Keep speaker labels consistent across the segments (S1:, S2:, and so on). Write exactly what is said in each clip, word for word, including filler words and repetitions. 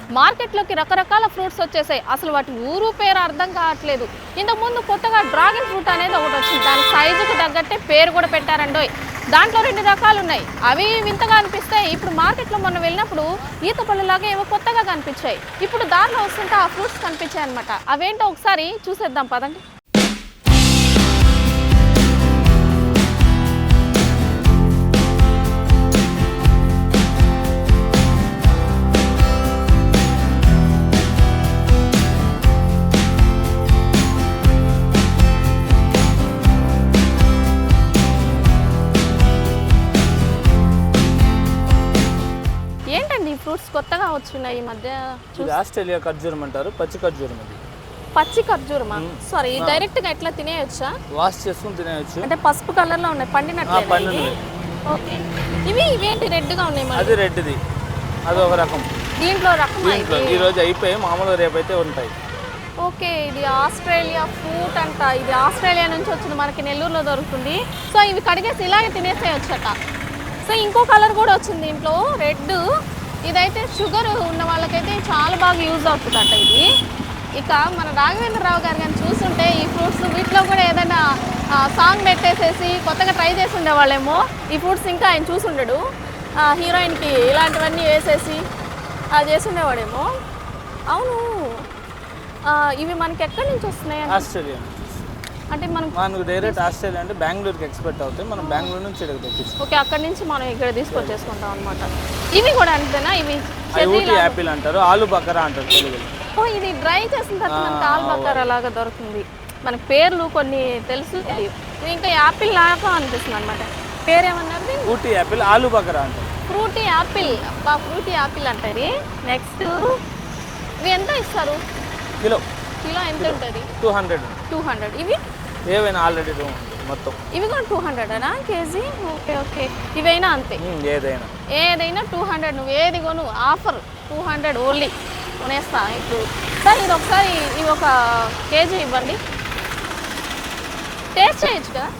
S1: మార్కెట్లోకి రకరకాల ఫ్రూట్స్ వచ్చేసాయి. అసలు వాటి ఊరు పేరు అర్థం కావట్లేదు. ఇంతకుముందు కొత్తగా డ్రాగన్ ఫ్రూట్ అనేది ఒకటి వచ్చింది. దాని సైజుకి తగ్గట్టే పేరు కూడా పెట్టారండోయ్. దాంట్లో రెండు రకాలు ఉన్నాయి. అవి వింతగా అనిపిస్తాయి. ఇప్పుడు మార్కెట్లో మొన్న వెళ్ళినప్పుడు ఈత పళ్ళలాగా ఏవో కొత్తగా కనిపించాయి. ఇప్పుడు దారిలో వస్తుంటే ఆ ఫ్రూట్స్ కనిపించాయి అనమాట. అవేంటో ఒకసారి చూసేద్దాం పదండి. ఫ్రూట్స్ కొత్తగా వచ్చున్నాయి ఈ మధ్య.
S2: ఇది ఆస్ట్రేలియా ఖర్జూరం అంటారు. పచ్చి ఖర్జూరం అది.
S1: పచ్చి ఖర్జూరమా? సారీ, డైరెక్ట్ గా ఎట్లా తినేయొచ్చా?
S2: వాష్ చేసుకుని తినేయొచ్చు.
S1: అంటే పసుపు కలర్ లో ఉన్నాయి, పండినట్లే.
S2: పండినవి.
S1: ఓకే. ఇవి ఇవేంటి రెడ్ గా ఉన్నాయి?
S2: అది రెడ్ది, అది ఒక రకం.
S1: దీంట్లో రకం
S2: దీంట్లో ఈ రోజు అయిపోయి మామూలు రేపు అయితే ఉంటాయి.
S1: ఓకే, ఇది ఆస్ట్రేలియా ఫ్రూట్ అంట. ఇది ఆస్ట్రేలియా నుంచి వచ్చింది, మనకి నెల్లూరులో దొరుకుతుంది. సో ఇవి కడిగేసి ఇలాగే తినేసేయొచ్చట. సో ఇంకో కలర్ కూడా వచ్చింది దీంట్లో, రెడ్. ఇదైతే షుగర్ ఉన్న వాళ్ళకైతే చాలా బాగా యూజ్ అవుతుందట ఇది. ఇక మన రాఘవేంద్రరావు గారు కానీ చూస్తుంటే ఈ ఫ్రూట్స్ వీటిలో కూడా ఏదైనా సాంగ్ పెట్టేసేసి కొత్తగా ట్రై చేసి ఉండేవాళ్ళేమో. ఈ ఫ్రూట్స్ ఇంకా ఆయన చూసుండడు. హీరోయిన్కి ఇలాంటివన్నీ వేసేసి అది చేసి ఉండేవాడేమో. అవును, ఇవి మనకి ఎక్కడి నుంచి వస్తున్నాయి?
S2: ఆస్ట్రేలియా.
S1: అంటే మనం
S2: మనకు డైరెక్ట్ ఆస్ట్రేలియా అంటే బెంగళూరుకి ఎక్స్పెక్ట్ అవుతాయి. మనం బెంగళూరు నుంచి ఇక్కడికి తెప్పిస్తాం.
S1: ఓకే, అక్కడి నుంచి మనం ఇక్కడ తీసుకొచ్చేసుకుంటాం అనమాట. ఇవి కూడా అంతేనా? ఇవి
S2: ఊటీ యాపిల్ అంటారు, ఆలు బకరా అంటారు తెలుగులో.
S1: ఓ, ఇది డ్రై చేసిన తర్వాత మనకి ఆలు బకరా లాగా దొరుకుతుంది. మనకి పేర్లు కొన్ని తెలుసు, ఇది ఇంకా యాపిల్ లాగా అనిపిస్తుంది అనమాట. పేరు ఏమన్నారు?
S2: ఊటీ యాపిల్, ఆలు బకరా అంటారు.
S1: Frooti apple. అబ్బా, ఫ్రూటీ యాపిల్ అంటారు. నెక్స్ట్ ఇవి ఎంత ఇస్తారు?
S2: కిలో
S1: కిలో ఎంత ఉంటుంది?
S2: టూ హండ్రెడ్
S1: టూ హండ్రెడ్ ఇవి
S2: ఏవైనా ఆల్రెడీ మొత్తం
S1: ఇవి కూడా టూ హండ్రెడ్ అనా కేజీ? ఓకే ఓకే, ఇవైనా అంతే?
S2: ఏదైనా
S1: ఏదైనా టూ హండ్రెడ్. నువ్వు ఏది కొను, ఆఫర్ టూ హండ్రెడ్ ఓన్లీ. కొనేస్తా ఇప్పుడు. సార్ ఇది ఒకసారి ఇవి ఒక కేజీ ఇవ్వండి, టేస్ట్ చేయొచ్చు కదా.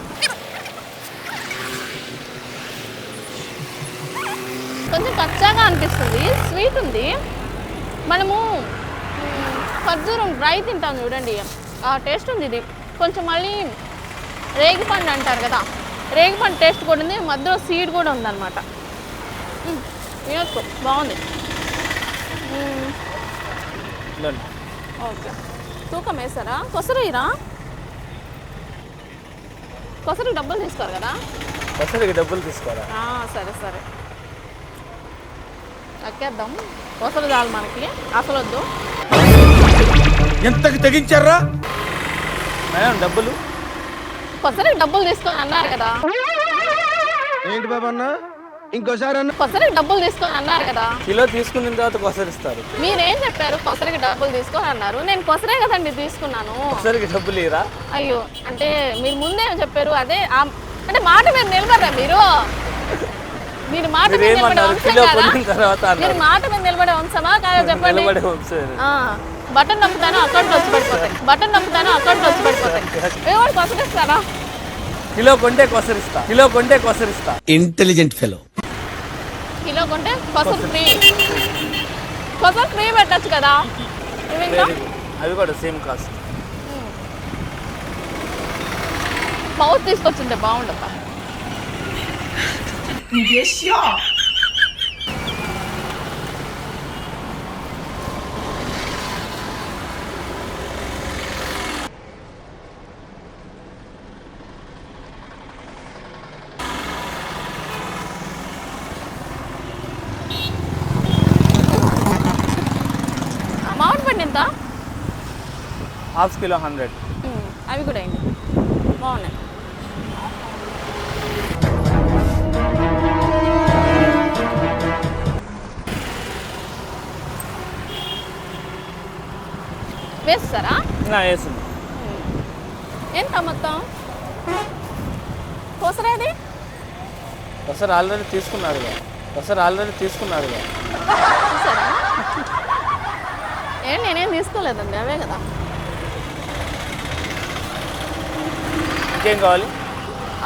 S1: కొంచెం కచ్చాగా అనిపిస్తుంది, స్వీట్ ఉంది. మనము ఖర్జూరం డ్రై తింటాం చూడండి, ఆ టేస్ట్ ఉంది. ఇది కొంచెం మళ్ళీ రేగిపండు అంటారు కదా, రేగిపండు టేస్ట్ కూడా ఉంది. మధ్యలో సీడ్ కూడా ఉందన్నమాట. వినొచ్చు, బాగుంది. ఓకే, తూకం వేస్తారా? కొసరురా, కొసరికి డబ్బులు తీసుకోరు కదా?
S2: కొసరికి డబ్బులు తీసుకోరా?
S1: సరే సరే, ఎక్కేద్దాం. కొసరు చాలు మనకి, అసలు వద్దు.
S3: ఎంతకి తెగించారా
S2: మేడం? డబ్బులు
S1: కొసరికి డబ్బులు తీసుకొని అన్నారు కదా.
S3: ఏంటి బాబా అన్న, ఇంకోసారి అన్న.
S1: కొసరికి డబ్బులు తీసుకొని అన్నారు కదా.
S2: కిలో తీసుకున్న తర్వాత కొసరిస్తారు.
S1: మీరేం చెప్పారు? కొసరికి డబ్బులు తీసుకొని అన్నారు. నేను కొసరే కదండి తీసుకున్నాను.
S2: కొసరికి డబ్బులు ఇరా?
S1: అయ్యో, అంటే మీరు ముందే చెప్పారు. అదే అంటే మాట మీద నిలబడరా మీరు? మీరు మాట మీద నిలబడే వంశం కదా? మీరు మాట మీద నిలబడే వంశమా కాదా చెప్పండి. బటన్ నొక్కుతాను, అకౌంట్ వచ్చి పడిపోతాయి. బటన్ నొక్కుతాను, అకౌంట్ వచ్చి పడిపోతాయి. ఎవరు కొసరిస్తారా?
S2: కిలో కొంటే కొసరిస్తా, కిలో కొంటే కొసరిస్తా.
S3: Intelligent fellow.
S1: కిలో కొంటే కొసరు ఫ్రీ. కొసరు ఫ్రీ పెట్టచ్చు కదా.
S2: అవి కూడా సేమ్ కాస్ట్.
S1: మౌత్ తీసుకొచ్చింటే బాగుండదా? మామిడి పండు ఎంత?
S2: Half kilo hundred.
S1: అవి కూడా అయింది, బాగున్నాయి. వేస్తారా?
S2: వేసింది.
S1: ఎంత మొత్తం? కొసరేది?
S2: కొసరు ఆల్రెడీ తీసుకున్నారుగా, కొసరు ఆల్రెడీ తీసుకున్నారుగా.
S1: చూసారా? ఏం నేనేం తీసుకోలేదండి, అవే కదా.
S2: ఇంకేం కావాలి?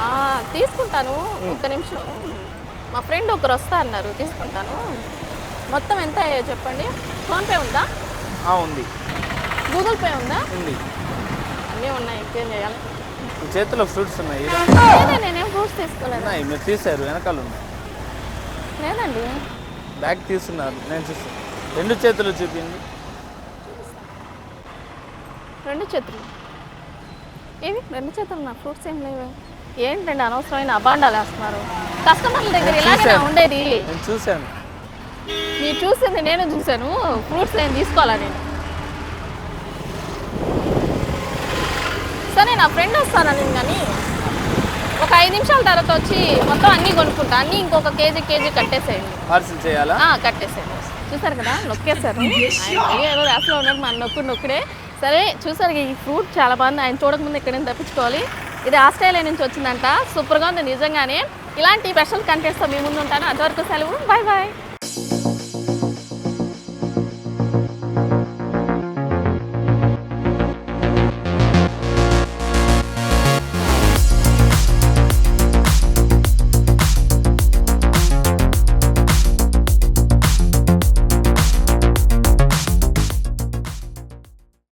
S1: తీసుకుంటాను, ఒక్క నిమిషం. మా ఫ్రెండ్ ఒకరు వస్తా అన్నారు, తీసుకుంటాను. మొత్తం ఎంత అయ్యాయో చెప్పండి. ఫోన్పే ఉందా?
S2: ఆ, ఉంది
S1: గూగుల్ పే ఉందా?
S2: ఉంది.
S1: అన్నీ ఉన్నాయి, ఇంకేం చేయాలి?
S2: ఈ చేతిలో ఫ్రూట్స్ ఉన్నాయి.
S1: లేదే, నేనేం ఫ్రూట్స్ తీసుకోలేదు.
S2: ఉన్నాయి, మీరు తీసారు, వెనకాల ఉన్నాయి.
S1: లేదండి.
S2: బ్యాగ్ తీసుకున్నారు, నేను చూస్తాను. రెండు చేతులు చూపింది.
S1: రెండు చేతులు ఏవి? రెండు చేతులు నా ఫ్రూట్స్ ఏం లేవు. ఏంటండి అనవసరమైన అబాండాలు వేస్తున్నారు. కస్టమర్ల దగ్గర ఇలాగే ఉండేది.
S2: నేను చూశాను.
S1: మీరు చూసింది నేను చూశాను. ఫ్రూట్స్ నేను తీసుకోవాలా నేను? సరే, నా ఫ్రెండ్ వస్తానని కానీ ఒక ఐదు నిమిషాల తర్వాత వచ్చి మొత్తం అన్నీ కొనుక్కుంటా. అన్నీ ఇంకొక కేజీ కేజీ కట్టేసేయండి.
S2: పార్సిల్ చేయాలా?
S1: ఆ, కట్టేసేయండి. చూసారు కదా, నొక్కేశారు. ఆయన మళ్ళీ ఏదో రాసులో ఉన్నారు, మన నొక్కుడు నొక్కుడే. సరే, చూసారు ఈ ఫ్రూట్ చాలా బాగుంది. ఆయన చూడకముందు ఎక్కడైనా తప్పించుకోవాలి. ఇది ఆస్ట్రేలియా నుంచి వచ్చిందంట. సూపర్గా ఉంది నిజంగానే. ఇలాంటి స్పెషల్ కంటెంట్స్తో మీ ముందు ఉంటాను. అంతవరకు సెలవు. Bye bye.